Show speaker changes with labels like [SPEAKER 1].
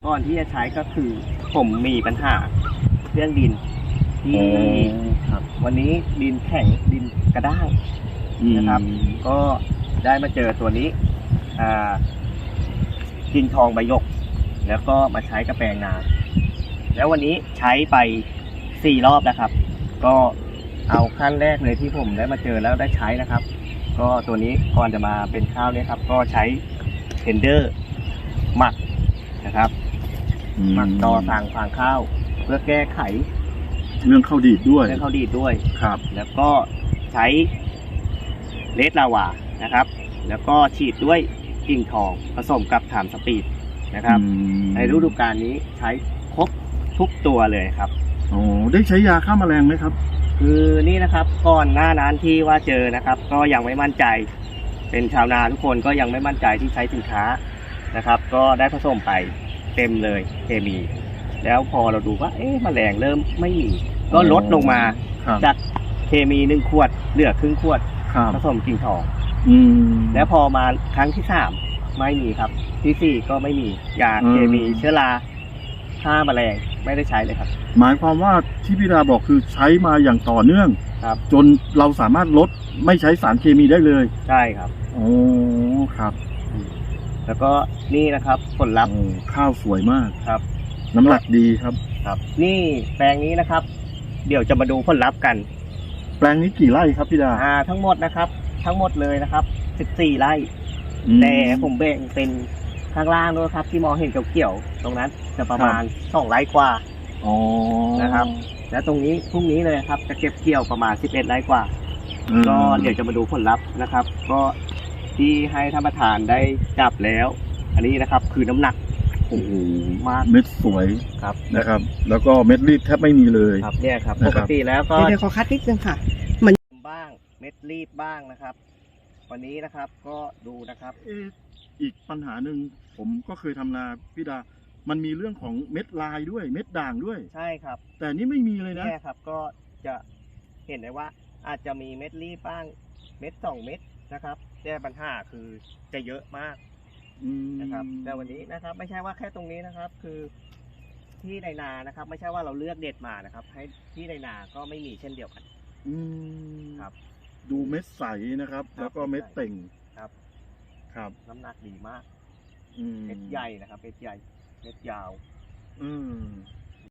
[SPEAKER 1] ก่อนที่จะใช้ก็คือผมมีปัญหาเรื่องดินที่
[SPEAKER 2] ครับ
[SPEAKER 1] วันนี้ดินแข็งดินกระด้างนะครับ ก็ได้มาเจอตัวนี้ดินทองใบหยก แล้วก็มาใช้กระแปลงนาแล้ววันนี้ใช้ไป4 รอบนะครับ ก็เอาขั้นแรกเลยที่ผมได้มาเจอแล้วได้ใช้นะครับ ก็ตัวนี้ก่อนจะมาเป็นข้าวเนี่ยครับก็ใช้เทนเดอร์หมักนะครับหมักต่อต่างฟางข้าวเพื่อแก้ไข
[SPEAKER 2] เรื่องข้าวดีดด้วย
[SPEAKER 1] ครับ แล้วก็ใช้เลดลาวานะครับ แล้วก็ฉีดด้วยกิ่งทองผสมกับถามสปีดนะครับในฤดูกาลนี้ใช้ครบทุกตัวเลยครับ
[SPEAKER 2] ได้ใช้ยาฆ่าแมลงไหมครับ
[SPEAKER 1] คือนี่นะครับก่อนหน้านั้นที่ว่าเจอนะครับ ก็ยังไม่มั่นใจเป็นชาวนาทุกคนก็ยังไม่มั่นใจที่ใช้สินค้านะครับ ก็ได้ผสมไปเต็มเลยเคมี แล้วพอเราดูว่าแมลงเริ่มไม่มีก็ลดลงมาจากเคมี1 ขวดเหลือครึ่งขวดผสมกิ่งทองแล้วพอมาครั้งที่3ไม่มีครับที่4ก็ไม่มียาเคมีเชื้อราฆ่าแมลงไม่ได้ใช้เลยครับ
[SPEAKER 2] หมายความว่าที่พี่ดาบอกคือใช้มาอย่างต่อเนื่อง
[SPEAKER 1] ครับ
[SPEAKER 2] จนเราสามารถลดไม่ใช้สารเคมีได้เลย
[SPEAKER 1] ใช่ครับ
[SPEAKER 2] ครับ
[SPEAKER 1] แล้วก็นี่นะครับผลลัพธ์
[SPEAKER 2] ข้าวสวยมาก
[SPEAKER 1] ครับ
[SPEAKER 2] น้ำหนักดีครับ
[SPEAKER 1] นี่แปลงนี้นะครับเดี๋ยวจะมาดูผลลัพธ์กัน
[SPEAKER 2] แปลงนี้กี่ไร่ครับพี่ดา
[SPEAKER 1] ทั้งหมดนะครับทั้งหมดเลยนะครับ14 ไร่แต่ผมแบ่งเป็นข้างล่างด้วยครับที่มองเห็นเขียวๆตรงนั้นจะประมาณ2 ไร่กว่านะครับและตรงนี้พรุ่งนี้เลยครับจะเก็บเกี่ยวประมาณ11 ไร่กว่าก็เดี๋ยวจะมาดูผลลัพธ์นะครับก็ที่ให้ท่านประธานได้จับแล้วอันนี้นะครับคือน้ำหนักมาก
[SPEAKER 2] เม็ดสวย
[SPEAKER 1] ครับ
[SPEAKER 2] นะครับแล้วก็เม็ดรีบแทบไม่มีเลย
[SPEAKER 1] ครับเนี่ยครับปกติแล้วก็
[SPEAKER 3] เดี๋ยวขอคัดนิดนึงค่ะ
[SPEAKER 1] มันบ้างเม็ดรีบบ้างนะครับวันนี้นะครับก็ดูนะครับ
[SPEAKER 2] อีกปัญหาหนึ่งผมก็เคยทำนาพี่ดามันมีเรื่องของเม็ดลายด้วยเม็ดด่างด้วย
[SPEAKER 1] ใช่ครับ
[SPEAKER 2] แต่นี่ไม่มีเลยนะ
[SPEAKER 1] เนี่ยครับก็จะเห็นได้ว่าอาจจะมีเม็ดรีบบ้างเม็ด2 เม็ดนะครับแต่ปัญหาคือจะเยอะมากนะครับแต่วันนี้นะครับไม่ใช่ว่าแค่ตรงนี้นะครับคือที่ในนานะครับไม่ใช่ว่าเราเลือกเด็ดมานะครับให้ที่ในนาก็ไม่มีเช่นเดียวกันครับ
[SPEAKER 2] ดูเม็ดใสนะครับแล้วก็เม็ดเต่ง
[SPEAKER 1] ครับน้ำหนักดีมากเม็ดใหญ่นะครับเม็ดใหญ่เม็ดยาว